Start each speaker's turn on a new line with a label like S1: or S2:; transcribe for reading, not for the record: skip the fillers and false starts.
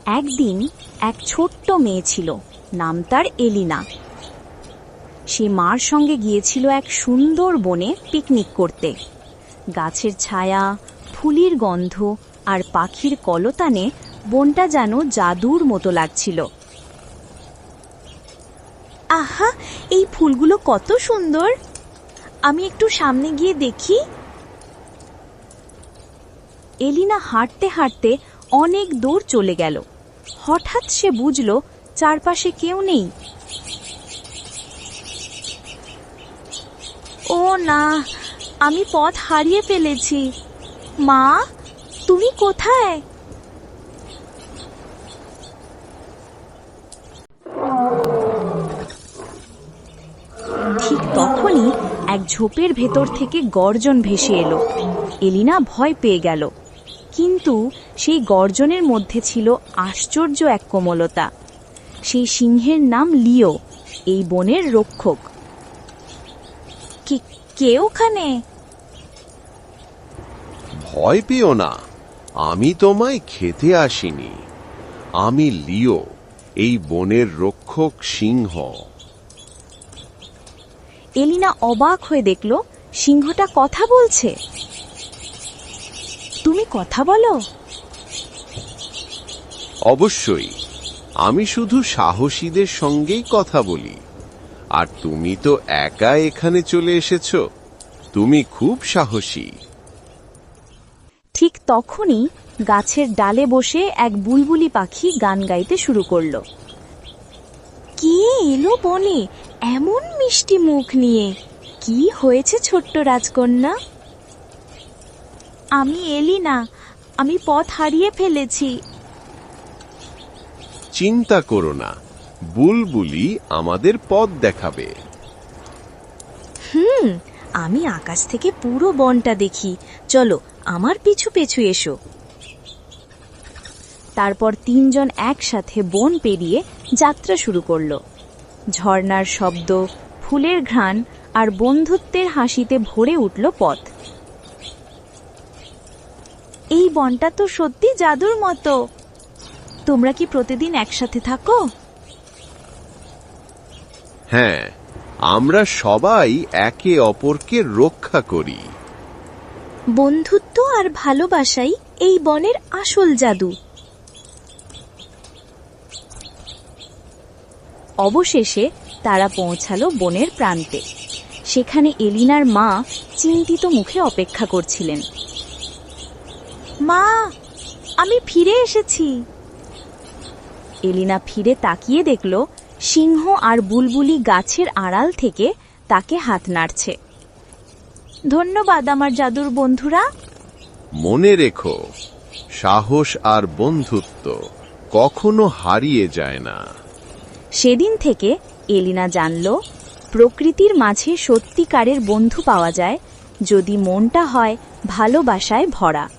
S1: একদিন এক ছোট্ট মেয়ে ছিল, নাম তার এলিনা। সে মার সঙ্গে গিয়েছিল এক সুন্দর বনে পিকনিক করতে। গাছের ছায়া, ফুলের গন্ধ আর পাখির কলতানে বনটা যেন জাদুর মতো লাগছিল। আহা, এই ফুলগুলো কত সুন্দর! আমি একটু সামনে গিয়ে দেখি। এলিনা হাঁটতে হাঁটতে অনেক দূর চলে গেল। হঠাৎ সে বুঝল চারপাশে কেউ নেই। ও না, আমি পথ হারিয়ে ফেলেছি। মা, তুমি কোথায়? ঠিক তখনই এক ঝোপের ভেতর থেকে গর্জন ভেসে এলো। এলিনা ভয় পেয়ে গেল, কিন্তু সেই গর্জনের মধ্যে ছিল আশ্চর্য এক কোমলতা। সেই সিংহের নাম লিও, এই বনের রক্ষক। কে ওখানে?
S2: ভয় পেও না, আমি তোমায় খেতে আসিনি। আমি লিও, এই বনের রক্ষক সিংহ।
S1: এলিনা অবাক হয়ে দেখল সিংহটা কথা বলছে। তুমি কথা বলো?
S2: অবশ্যই, আমি শুধু সাহসীদের সঙ্গেই কথা বলি। আর তুমি তো একা এখানে চলে এসেছো, তুমি খুব সাহসী।
S1: ঠিক তখনই গাছের ডালে বসে এক বুলবুলি পাখি গান গাইতে শুরু করল। কে এলো বনে এমন মিষ্টি মুখ নিয়ে? কি হয়েছে ছোট্ট রাজকন্যা? আমি এলিনা, আমি পথ হারিয়ে ফেলেছি।
S2: চিন্তা করো না, বুলবুলি আমাদের পথ দেখাবে।
S1: আমি আকাশ থেকে পুরো বনটা দেখি, চলো আমার পিছু পিছু এসো। তারপর তিনজন একসাথে বন পেরিয়ে যাত্রা শুরু করলো। ঝর্ণার শব্দ, ফুলের ঘ্রাণ আর বন্ধুত্বের হাসিতে ভরে উঠল পথ। এই বনটা তো সত্যি জাদুর মতো। তোমরা কি প্রতিদিন একসাথে থাকো?
S2: হ্যাঁ, আমরা সবাই একে অপরকে রক্ষা করি।
S1: বন্ধুত্ব আর ভালোবাসাই এই বনের আসল জাদু। অবশেষে তারা পৌঁছালো বনের প্রান্তে। সেখানে এলিনার মা চিন্তিত মুখে অপেক্ষা করছিলেন। মা, আমি ফিরে এসেছি। এলিনা ফিরে তাকিয়ে দেখল সিংহ আর বুলবুলি গাছের আড়াল থেকে তাকে হাত নাড়ছে। ধন্যবাদ আমার জাদুর বন্ধুরা।
S2: মনে রেখো, সাহস আর বন্ধুত্ব কখনো হারিয়ে যায় না।
S1: সেদিন থেকে এলিনা জানল, প্রকৃতির মাঝে সত্যিকারের বন্ধু পাওয়া যায় যদি মনটা হয় ভালোবাসায় ভরা।